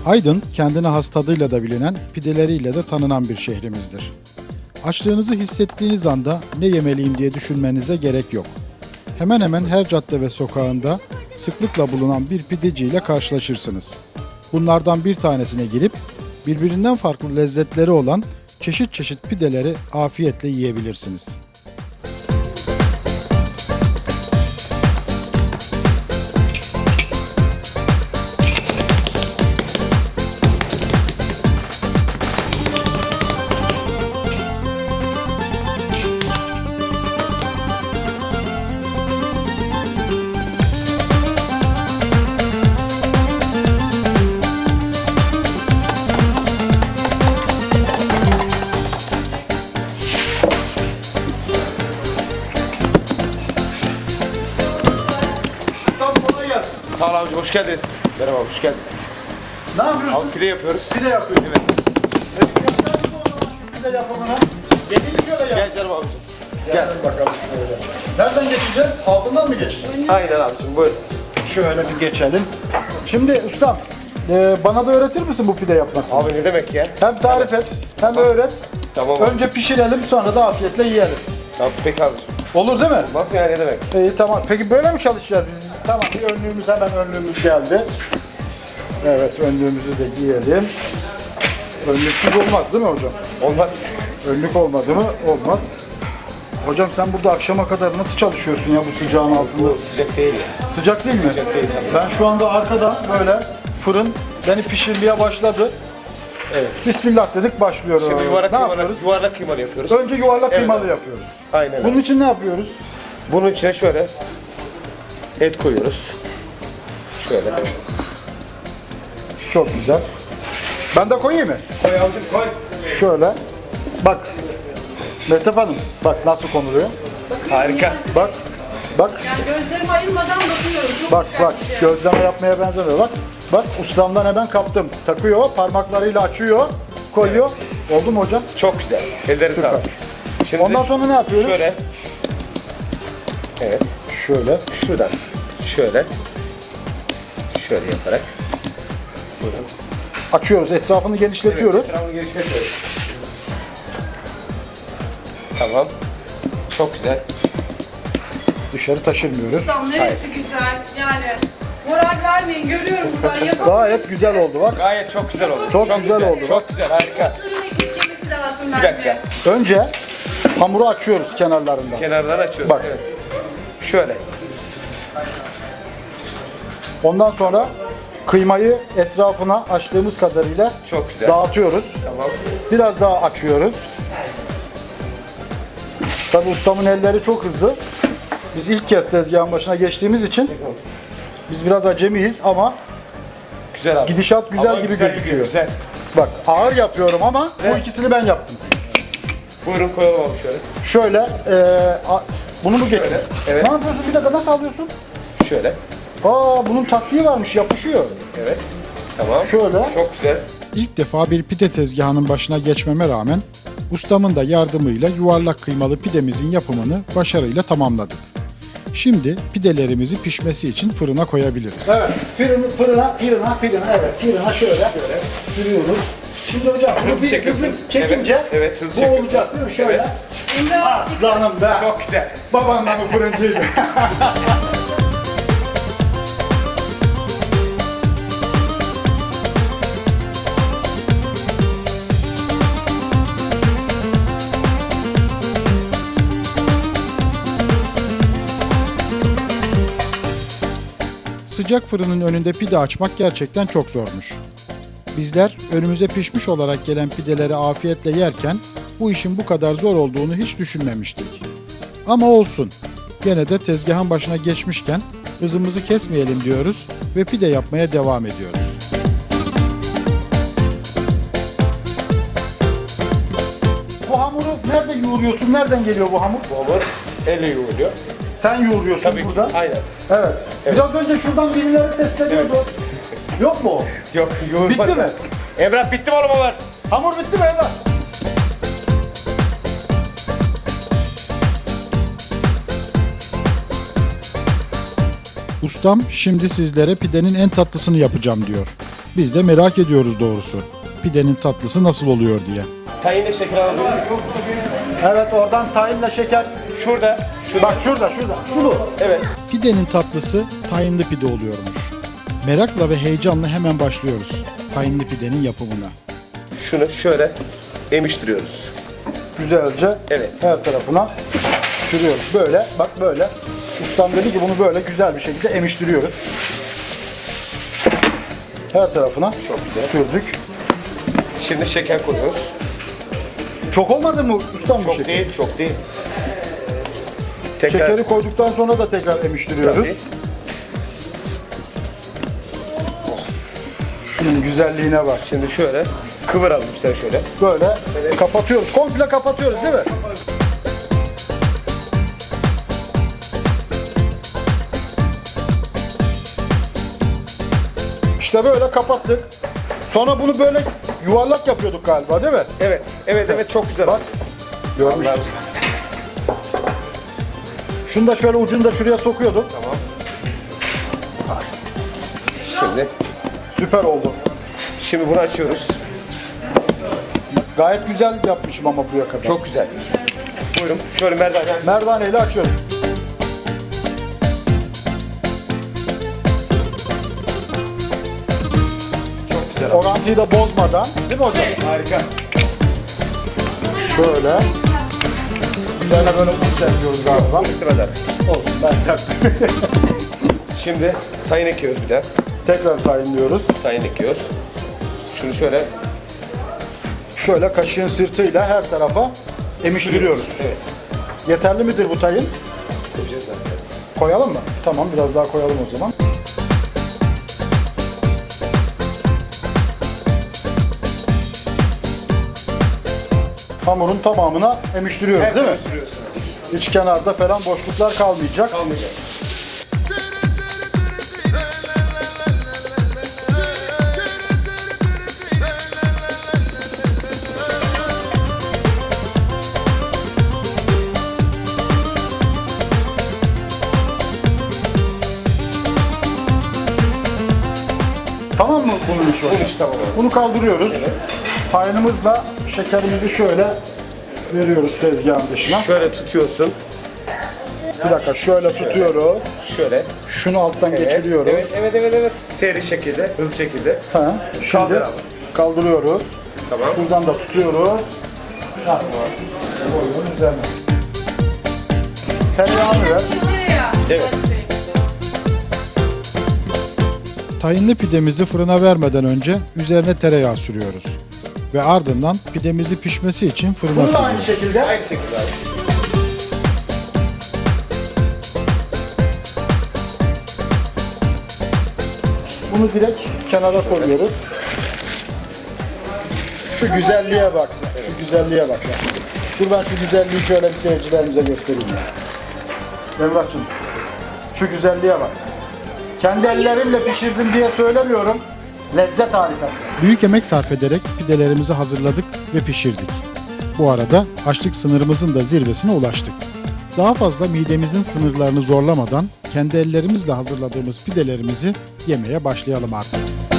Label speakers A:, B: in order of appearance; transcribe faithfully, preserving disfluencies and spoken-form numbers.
A: Aydın, kendine has tadıyla da bilinen, pideleriyle de tanınan bir şehrimizdir. Açlığınızı hissettiğiniz anda ne yemeliyim diye düşünmenize gerek yok. Hemen hemen her cadde ve sokağında sıklıkla bulunan bir pideciyle karşılaşırsınız. Bunlardan bir tanesine girip birbirinden farklı lezzetleri olan çeşit çeşit pideleri afiyetle yiyebilirsiniz.
B: Sağ ol abicim, hoş geldiniz. Merhaba, hoş geldiniz.
A: Ne yapıyorsun?
B: Abi pide yapıyoruz.
A: Pide yapıyorsun.
B: Evet.
A: Evet, göster o zaman şu pide yapımına. Gelin şöyle yap.
B: Gel canım abicim.
A: Gel bakalım şöyle. Nereden geçeceğiz? Altından mı geçeceğiz?
B: Aynen abicim, buyurun.
A: Şöyle bir geçelim. Şimdi ustam, e, bana da öğretir misin bu pide yapmasını?
B: Abi ne demek ya?
A: Hem tarif et, hem öğret.
B: Tamam abi.
A: Önce pişirelim, sonra da afiyetle yiyelim.
B: Tamam, peki abicim.
A: Olur değil mi?
B: Nasıl yani, ne demek?
A: İyi, tamam. Peki böyle mi çalışacağız biz? biz? Tamam, bir önlüğümüz, hemen önlüğümüz geldi. Evet, önlüğümüzü de giyelim. Önlüksüz olmaz değil mi hocam?
B: Olmaz.
A: Önlük olmadı mı? Olmaz. Hocam sen burada akşama kadar nasıl çalışıyorsun ya bu sıcağın altında?
B: Bu sıcak değil ya.
A: Sıcak değil mi?
B: Sıcak değil tabii.
A: Ben şu anda arkada böyle fırın beni pişirmeye başladı.
B: Evet.
A: Bismillah dedik, başlıyoruz.
B: Şimdi yuvarlak
A: ne
B: kıymalı,
A: yapıyoruz?
B: yuvarlak kıymalı yapıyoruz.
A: Önce yuvarlak
B: Evet
A: kıymalı
B: abi.
A: yapıyoruz.
B: Aynen
A: Bunun
B: öyle.
A: için ne yapıyoruz?
B: Bunun içine şöyle et koyuyoruz. Şöyle.
A: Çok güzel. Ben de koyayım mı?
B: Koy abicim, koy.
A: Şöyle. Bak. Mehtap Hanım, bak nasıl konuluyor.
B: Harika.
A: Bak. Bak.
C: Yani gözlerimi ayırmadan bakıyorum. Çok
A: Bak bak.
C: dikkatlice.
A: Gözleme yapmaya benzemiyor. Bak. Bak ustamdan hemen kaptım. Takıyor, parmaklarıyla açıyor, koyuyor. Oldu mu hocam?
B: Çok güzel. Elleri
A: Süper.
B: sağlık. Şimdi
A: Ondan sonra ne yapıyoruz?
B: şöyle. Evet.
A: Şöyle.
B: Şuradan. Şöyle. Şöyle yaparak. Buyurun.
A: Açıyoruz, etrafını genişletiyoruz.
B: Evet, etrafını genişletiyoruz. Tamam. Çok güzel.
A: Dışarı taşırmıyoruz.
C: Ustam neresi güzel yani. Moral vermeyin, görüyorum buradan yapamıyorum.
A: Gayet güzel oldu bak.
B: Gayet çok güzel oldu.
A: Çok güzel oldu.
B: Çok güzel, harika.
C: Fırına geçmesi lazım
B: Bir
C: bence.
B: dakika.
A: Önce hamuru açıyoruz kenarlarından.
B: Kenardan açıyoruz.
A: Bak.
B: Evet. Şöyle.
A: Ondan sonra kıymayı etrafına açtığımız kadarıyla
B: Çok güzel.
A: dağıtıyoruz.
B: Tamam.
A: Biraz daha açıyoruz. Tabii ustamın elleri çok hızlı. Biz ilk kez tezgahın başına geçtiğimiz için biz biraz acemiyiz ama
B: Güzel abi.
A: gidişat güzel
B: Ama
A: gibi
B: güzel
A: gözüküyor.
B: gidiyor, Güzel.
A: Bak ağır yapıyorum ama bu
B: Evet.
A: ikisini ben yaptım.
B: Buyurun koyalım abi şöyle.
A: Şöyle e, a- bunu mu geçiyor?
B: Şöyle, evet.
A: Ne yapıyorsun? Bir dakika, nasıl alıyorsun?
B: Şöyle.
A: Aa, bunun taktiği varmış, yapışıyor.
B: Evet. Tamam.
A: Şöyle.
B: Çok güzel.
A: İlk defa bir pide tezgahının başına geçmeme rağmen ustamın da yardımıyla yuvarlak kıymalı pidemizin yapımını başarıyla tamamladık. Şimdi pidelerimizi pişmesi için fırına koyabiliriz. Evet, fırına, fırına, fırına, fırına, evet, fırına şöyle, şöyle sürüyoruz. Şimdi hocam bunu
B: Hızlı
A: bir
B: çekiyorsun.
A: hızlı çekince
B: Evet, evet, hızlı
A: bu
B: çekiyorsun.
A: olacak değil mi? Şöyle.
B: Evet.
C: Şimdi
A: Aslanım be.
B: Çok güzel.
A: Babanla mı fırıncıydı? Sıcak fırının önünde pide açmak gerçekten çok zormuş. Bizler önümüze pişmiş olarak gelen pideleri afiyetle yerken bu işin bu kadar zor olduğunu hiç düşünmemiştik. Ama olsun. Gene de tezgahın başına geçmişken hızımızı kesmeyelim diyoruz ve pide yapmaya devam ediyoruz. Bu hamuru nerede yoğuruyorsun? Nereden geliyor bu hamur?
B: Bu hamur elle yoğruluyor.
A: Sen yoğuruyorsun
B: Tabii ki.
A: burada.
B: Aynen.
A: Evet. Biraz önce şuradan birileri sesleniyordu. Yok mu o?
B: Yok, yoğurmadı.
A: Bitti mi?
B: Emrah bitti mi oğlum hamur?
A: Hamur bitti mi Emrah? Ustam şimdi sizlere pidenin en tatlısını yapacağım diyor. Biz de merak ediyoruz doğrusu. Pidenin tatlısı nasıl oluyor diye.
B: Tayinle şeker alabilir miyiz?
D: Evet, oradan tayinle şeker.
B: Şurada. Şurada.
D: Bak şurada, şurada. Şunu.
B: Evet.
A: Pidenin tatlısı tayinli pide oluyormuş. Merakla ve heyecanla hemen başlıyoruz tayinli pidenin yapımına.
B: Şunu şöyle emiştiriyoruz.
D: Güzelce
B: Evet.
D: her tarafına sürüyoruz. Böyle, bak böyle. Ustam dedi ki bunu böyle güzel bir şekilde emiştiriyoruz. Her tarafına
B: Çok güzel.
D: sürdük.
B: Şimdi şeker koyuyoruz.
D: Çok olmadı mı ustam bu
B: Çok
D: şeker?
B: değil, çok değil. Tekrar.
D: Şekeri koyduktan sonra da tekrar emiştiriyoruz.
B: Tabii.
D: Şunun güzelliğine bak.
B: Şimdi şöyle kıvıralım sen şöyle.
D: Böyle kapatıyoruz. Komple kapatıyoruz değil mi? İşte böyle kapattık. Sonra bunu böyle yuvarlak yapıyorduk galiba değil mi?
B: Evet, evet, evet çok güzel.
D: Bak. Görmüştüm. Şunu da şöyle ucunu da şuraya sokuyorduk.
B: Tamam. Şimdi,
D: Süper oldu.
B: şimdi bunu açıyoruz.
D: Gayet güzel yapmışım ama buraya kadar.
B: Çok güzel. Buyurun, şöyle merdane.
D: Merdaneyle açıyoruz.
B: Çok güzel.
D: Orantıyı da bozmadan. Değil mi hocam?
B: Harika.
D: Şöyle. Üzerine böyle un serpiyoruz galiba.
B: İstemeden.
D: Olsun, ben serptim.
B: Şimdi tayin ekiyoruz bir de.
D: Tekrar tayinliyoruz.
B: Tayin ekiyoruz. Şunu şöyle
D: Şöyle kaşığın sırtıyla her tarafa emiştiriyoruz.
B: Evet.
D: Yeterli midir bu tayin?
B: koyacağız zaten.
D: Koyalım mı? Tamam, biraz daha koyalım o zaman. Hamurun tamamına emiştiriyoruz değil mi?
B: Sürüyorsun.
D: Hiç kenarda falan boşluklar kalmayacak.
B: Kalmayacak.
D: Tamam mı bunun işi?
B: Bunun işi tamam oldu.
D: Bunu kaldırıyoruz.
B: Evet.
D: Tayinimizle şekerimizi şöyle veriyoruz tezgahın dışına.
B: Şöyle tutuyorsun.
D: Bir dakika, şöyle tutuyoruz.
B: Şöyle.
D: Şunu alttan
B: Evet,
D: geçiriyoruz.
B: Evet, evet, evet, evet. Seri şekilde, hızlı şekilde.
D: Ha, şimdi
B: Kaldır abi.
D: kaldırıyoruz.
B: Tamam.
D: Şuradan da tutuyoruz. Ha. Koyuyoruz üzerine. Tereyağını ver.
C: Tereyağı.
B: Evet.
A: Tayinli pidemizi fırına vermeden önce üzerine tereyağı sürüyoruz. Ve ardından pidemizi pişmesi için fırına
D: Bunu da aynı
A: sürüyoruz.
D: şekilde
B: Aynı şekilde abi.
D: bunu direkt kenara koyuyoruz. Şu güzelliğe bak. Şu güzelliğe bak. ya. Dur ben şu güzelliği şöyle bir seyircilerimize göstereyim ya. Emrah'cığım, şu güzelliğe bak. Kendi ellerimle pişirdim diye söylemiyorum. Lezzet harikası.
A: Büyük emek sarf ederek pidelerimizi hazırladık ve pişirdik. Bu arada açlık sınırımızın da zirvesine ulaştık. Daha fazla midemizin sınırlarını zorlamadan kendi ellerimizle hazırladığımız pidelerimizi yemeye başlayalım artık.